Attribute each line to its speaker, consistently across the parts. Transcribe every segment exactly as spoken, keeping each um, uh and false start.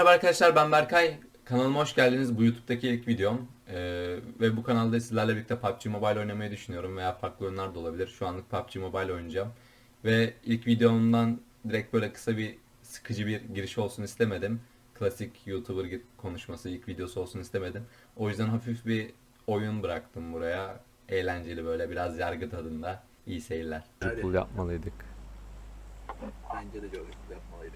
Speaker 1: Merhaba arkadaşlar, ben Berkay. Kanalıma hoş geldiniz. Bu YouTube'daki ilk videom. Ee, ve bu kanalda sizlerle birlikte P U B G Mobile oynamayı düşünüyorum veya farklı oyunlar da olabilir. Şu anlık P U B G Mobile oynayacağım. Ve ilk videomdan direkt böyle kısa bir sıkıcı bir giriş olsun istemedim. Klasik YouTuber konuşması ilk videosu olsun istemedim. O yüzden hafif bir oyun bıraktım buraya. Eğlenceli, böyle biraz yargı tadında. İyi seyirler.
Speaker 2: Hadi.
Speaker 3: Pul yapmalıydık.
Speaker 2: Bence de Jordan yapmalıydı.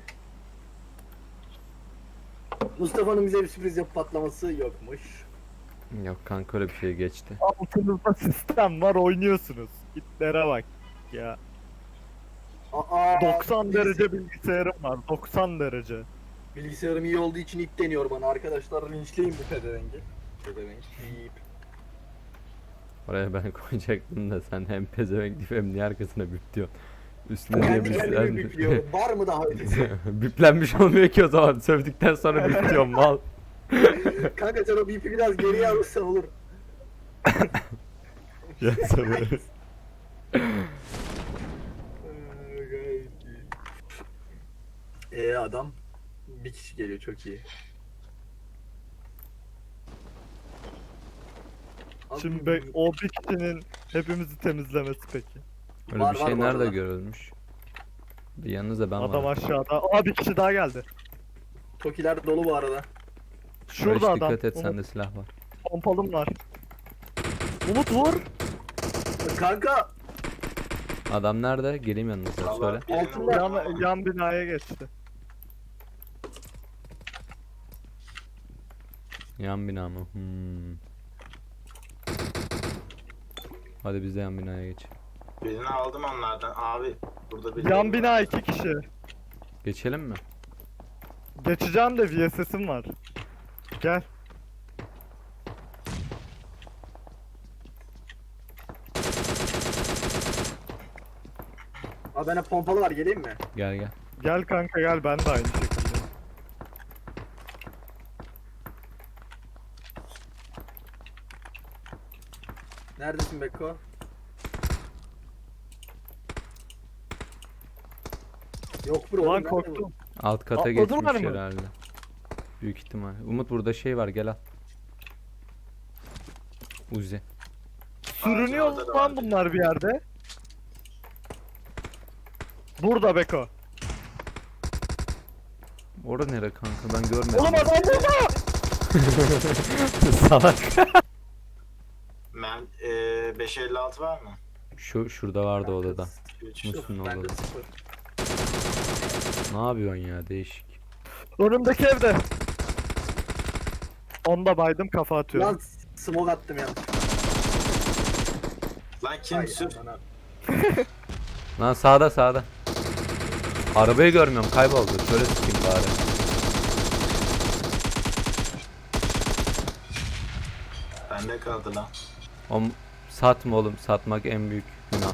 Speaker 2: Mustafa'nın bize bir sürpriz yapıp patlaması yokmuş.
Speaker 3: Yok kanka, öyle bir şey geçti.
Speaker 4: Altınızda sistem var, oynuyorsunuz. Hitlere bak ya.
Speaker 2: Aa,
Speaker 4: doksan
Speaker 2: biz-
Speaker 4: derece bilgisayarım var. doksan derece.
Speaker 2: Bilgisayarım iyi olduğu için ip deniyor bana. Arkadaşlar linçleyin bu pedevengi. Pedevenk. Bip.
Speaker 3: Oraya ben koyacaktım da sen hem pezevenk deyip hem niye arkasına bip diyorsun. Üstüne
Speaker 2: Kendi
Speaker 3: diye
Speaker 2: kendimi bipliyorum. Var mı daha ötesi?
Speaker 3: Biplenmiş olmuyor ki o zaman. Sövdükten sonra bip diyorum mal.
Speaker 2: Kanka sen o bipi biraz geriye alırsan olur.
Speaker 3: Ya sabır.
Speaker 2: Eee adam bir kişi geliyor, çok iyi. Abi,
Speaker 4: Şimdi be- o bir kişinin hepimizi temizlemesi peki.
Speaker 3: Öyle
Speaker 2: Var,
Speaker 3: bir
Speaker 2: var
Speaker 3: şey
Speaker 2: bu
Speaker 3: nerede
Speaker 2: arada.
Speaker 3: görülmüş? Bir yanınızda ben
Speaker 4: Adam
Speaker 3: varım.
Speaker 4: aşağıda. Aa, bir kişi daha geldi.
Speaker 2: Tokiler dolu bu arada.
Speaker 4: Şurada
Speaker 3: Barış,
Speaker 4: adam.
Speaker 3: dikkat et,
Speaker 4: Umut,
Speaker 3: sende silah var.
Speaker 4: pompalım var. Umut vur.
Speaker 2: Kanka
Speaker 3: Adam nerede? Geleyim yanınıza, söyle.
Speaker 2: altında
Speaker 4: Yan, yan binaya geçti.
Speaker 3: Yan bina mı? Hmm. Hadi biz de yan binaya geç.
Speaker 5: Birini aldım onlardan. Abi burada bir
Speaker 4: Yan bina iki kişi.
Speaker 3: Geçelim mi?
Speaker 4: Geçeceğim de V S S'im var. Gel.
Speaker 2: Abi bende pompalı var, geleyim mi?
Speaker 3: Gel gel.
Speaker 4: Gel kanka gel, ben de aynı şekilde.
Speaker 2: Neredesin Beko? Yok bro.
Speaker 4: Ulan
Speaker 2: nerede bu?
Speaker 4: korktum.
Speaker 3: Alt kata
Speaker 4: Atladılar
Speaker 3: geçmiş
Speaker 4: mı?
Speaker 3: herhalde. Büyük ihtimal. Umut, burada şey var, gel al. Uzi.
Speaker 4: Sürünüyor
Speaker 5: Ağacın orada da
Speaker 4: lan
Speaker 5: var.
Speaker 4: bunlar bir yerde. Burada Beko.
Speaker 3: Orada nere kanka, ben görmedim.
Speaker 4: Oğlum adam burada.
Speaker 3: Salak.
Speaker 5: Ben eee beş elli altı var mı?
Speaker 3: Şu şurada vardı odada.
Speaker 5: üç.
Speaker 3: Musun
Speaker 2: Bende
Speaker 3: odada?
Speaker 2: sıfır.
Speaker 3: Ne yapıyorsun ya, değişik.
Speaker 4: Önümdeki evde. Onda baydım, kafa atıyorum.
Speaker 2: Lan smoke attım ya.
Speaker 5: Lan kim sür?
Speaker 3: Lan sağda sağda. Arabayı görmüyorum, kayboldu. Şöyle sikeyim bari.
Speaker 5: Bende kaldı lan.
Speaker 3: Om satma oğlum, satmak en büyük günah.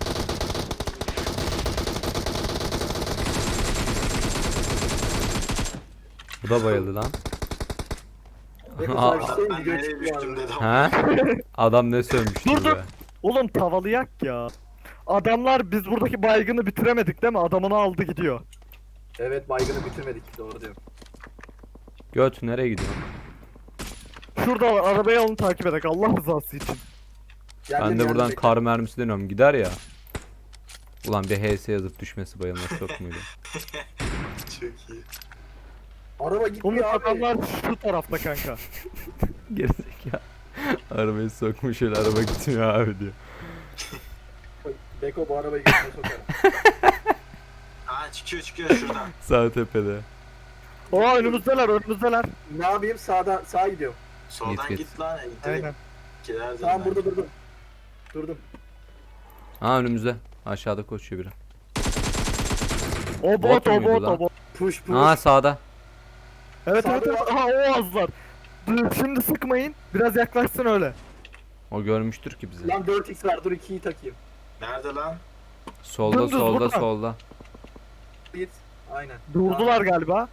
Speaker 3: Bu da bayıldı lan.
Speaker 2: Beko
Speaker 3: Aa,
Speaker 2: sana bir şey
Speaker 5: Ben
Speaker 2: video
Speaker 5: nereye
Speaker 2: çıktı
Speaker 5: düştüm
Speaker 2: abi.
Speaker 5: dedim.
Speaker 3: Ha? Adam ne sövmüştü
Speaker 4: Dur, dur.
Speaker 3: be.
Speaker 4: Oğlum tavalayak ya. Adamlar, biz buradaki baygını bitiremedik değil mi? Adamını aldı gidiyor.
Speaker 2: Evet, baygını bitirmedik, doğru diyorum.
Speaker 3: Göt nereye gidiyorsun?
Speaker 4: Şurada arabaya onu takip edek Allah rızası için.
Speaker 2: Geldim,
Speaker 3: Ben de
Speaker 2: geldim,
Speaker 3: buradan
Speaker 2: bekle.
Speaker 3: kar mermisi deniyorum, gider ya. Ulan bir H S yazıp düşmesi bayılması yok muydu?
Speaker 5: Çok iyi.
Speaker 2: Araba
Speaker 4: Umut
Speaker 2: gitmiyor abi.
Speaker 4: adamlar şu tarafta kanka.
Speaker 3: Gerizekalı. Arabayı sokmuş, öyle araba gitmiyor abi diyor.
Speaker 2: Beko bu arabayı götüne sokar.
Speaker 5: Aa çıkıyor çıkıyor şuradan.
Speaker 4: Şey,
Speaker 3: Sağ tepede.
Speaker 4: Oha önümüzdeler önümüzdeler.
Speaker 2: Ne yapayım, sağda sağa gidiyorum.
Speaker 5: Soldan
Speaker 3: Git, git.
Speaker 5: git lan. Direkt
Speaker 4: Aynen.
Speaker 5: giderdim
Speaker 2: Tamam,
Speaker 5: ben.
Speaker 2: burada durdum. Durdum.
Speaker 3: Ha, önümüzde. Aşağıda koşuyor biri.
Speaker 4: O
Speaker 3: Bot
Speaker 4: bot o
Speaker 3: muydu
Speaker 4: bot
Speaker 3: lan?
Speaker 4: o bot.
Speaker 2: Push push.
Speaker 3: Ha, sağda.
Speaker 4: Evet evet
Speaker 2: Sağda
Speaker 4: evet. Aha o azlar. Dur, şimdi sıkmayın. Biraz yaklaşsın öyle.
Speaker 3: O görmüştür ki bizi.
Speaker 2: Lan dört x var, dur ikiyi takayım.
Speaker 5: Nerede lan?
Speaker 3: Solda
Speaker 4: Dümdüz
Speaker 3: solda
Speaker 4: buradan.
Speaker 3: solda.
Speaker 2: Git. Aynen.
Speaker 4: Durdular galiba.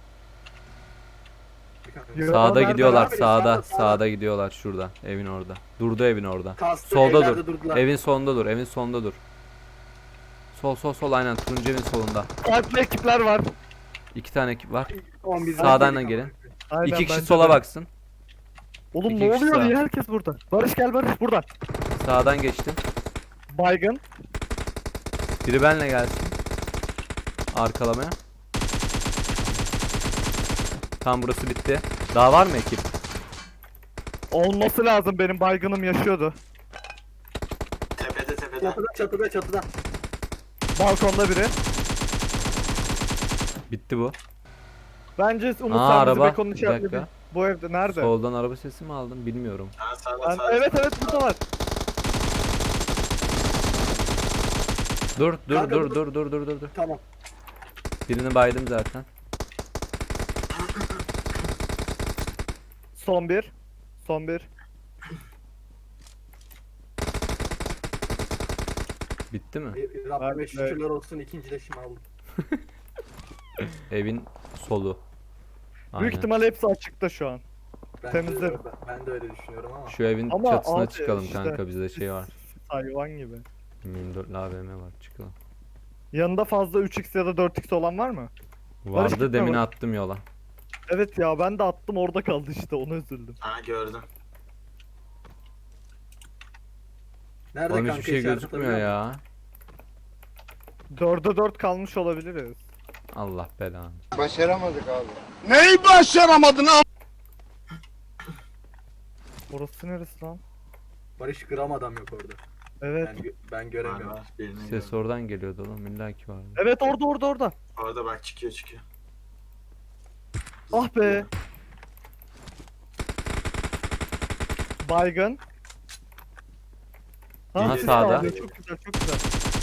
Speaker 4: Yo,
Speaker 3: Sağda
Speaker 4: nerede
Speaker 3: gidiyorlar,
Speaker 2: lan?
Speaker 3: sağda,
Speaker 2: Sağda,
Speaker 3: sağda
Speaker 2: sağda.
Speaker 3: gidiyorlar şurada, evin orada. Durdu evin orada.
Speaker 2: Kastı,
Speaker 3: Solda
Speaker 2: evlerde
Speaker 3: dur.
Speaker 2: durdular.
Speaker 3: Evin sonunda dur, evin sonunda dur. Sol sol sol, aynen turuncu evin solunda.
Speaker 4: Farklı ekipler var.
Speaker 3: İki tane ekip var.
Speaker 2: on bir
Speaker 3: Sağdan da
Speaker 2: dedik
Speaker 3: gelin.
Speaker 2: ama.
Speaker 4: Aynen,
Speaker 3: İki kişi
Speaker 4: bence
Speaker 3: sola
Speaker 4: de.
Speaker 3: baksın.
Speaker 4: Oğlum
Speaker 3: İki
Speaker 4: ne
Speaker 3: kişi
Speaker 4: oluyor
Speaker 3: sağ.
Speaker 4: ya, herkes burada. Barış gel Barış burada.
Speaker 3: Sağdan geçtim.
Speaker 4: Baygın.
Speaker 3: Biri benle gelsin. Arkalamaya. Tam burası bitti. Daha var mı ekip?
Speaker 4: Olması lazım, benim baygınım yaşıyordu.
Speaker 5: Tepede tepede.
Speaker 2: Çatıda çatıda çatıda.
Speaker 4: Balkonda biri.
Speaker 3: Bitti bu.
Speaker 4: Bence Umut
Speaker 3: Aa,
Speaker 4: sen bizi
Speaker 3: araba.
Speaker 4: bekonun
Speaker 3: Bir
Speaker 4: işaretledin.
Speaker 3: dakika.
Speaker 4: Bu evde nerede?
Speaker 3: Soldan araba sesi mi aldım bilmiyorum.
Speaker 5: Ha, sağda
Speaker 4: Ben-
Speaker 5: sağda.
Speaker 4: evet evet burada var.
Speaker 3: Dur dur
Speaker 2: Kanka,
Speaker 3: dur
Speaker 2: dur.
Speaker 3: dur dur dur dur dur.
Speaker 2: Tamam.
Speaker 3: Birini baydım zaten.
Speaker 4: Son bir. Son bir.
Speaker 3: Bitti mi?
Speaker 2: Bir- Rabbime
Speaker 4: Evet,
Speaker 2: şükürler olsun, ikinci leşimi aldım.
Speaker 3: Evin solu.
Speaker 4: Büyük
Speaker 3: Aynen.
Speaker 4: ihtimal hepsi açıkta şu an.
Speaker 2: Ben
Speaker 4: Temizlerim.
Speaker 2: De, ben, ben de öyle düşünüyorum ama.
Speaker 3: Şu evin
Speaker 4: Ama
Speaker 3: çatısına
Speaker 4: abi
Speaker 3: çıkalım
Speaker 4: işte,
Speaker 3: kanka, bizde şey var.
Speaker 4: Hayvan gibi.
Speaker 3: yirmi dört A V M var, çıkalım.
Speaker 4: Yanında fazla üç x ya da dört x olan var mı? Barış
Speaker 3: Vardı,
Speaker 4: gitme
Speaker 3: demin
Speaker 4: bak.
Speaker 3: attım yola.
Speaker 4: Evet ya, ben de attım orada kaldı işte, ona üzüldüm.
Speaker 5: Ha, gördüm.
Speaker 2: Nerede
Speaker 3: Oğlum
Speaker 2: kanka
Speaker 3: hiçbir şey
Speaker 2: işaret
Speaker 3: gözükmüyor
Speaker 2: atabiliyor
Speaker 3: ya.
Speaker 4: dörde dört kalmış olabiliriz.
Speaker 3: Allah belanı.
Speaker 6: Başaramadık abi.
Speaker 4: Orası neresi lan?
Speaker 2: musun? Barış gram adam yok orada.
Speaker 4: Evet.
Speaker 2: Ben, gö- ben
Speaker 5: Var
Speaker 2: göremiyorum.
Speaker 5: var. Birini
Speaker 3: Ses
Speaker 5: gördüm.
Speaker 3: oradan geliyordu oğlum, illa ki vardı.
Speaker 4: Evet orada orada orada.
Speaker 5: Orada bak, çıkıyor çıkıyor.
Speaker 4: Ah be. Baygın.
Speaker 3: Aha,
Speaker 4: Ha, sis
Speaker 3: sağda.
Speaker 4: alıyor. Çok güzel çok güzel.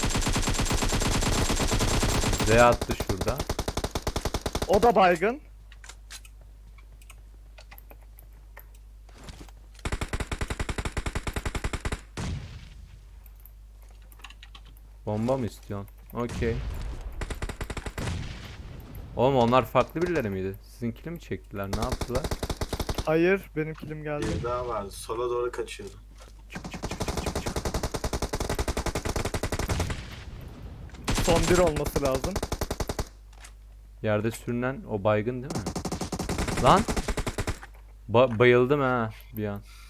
Speaker 3: Z attı şurada.
Speaker 4: O da baygın.
Speaker 3: Bomba mı istiyorsun? Okey. Oğlum onlar farklı birileri miydi? Sizinkini mi çektiler? Ne yaptılar?
Speaker 4: Hayır, benim kilim geldi.
Speaker 5: Bir daha vardı. Sola doğru kaçıyordu.
Speaker 4: Son bir olması lazım.
Speaker 3: Yerde sürünen o baygın değil mi? Lan! Ba- bayıldım ha bir an.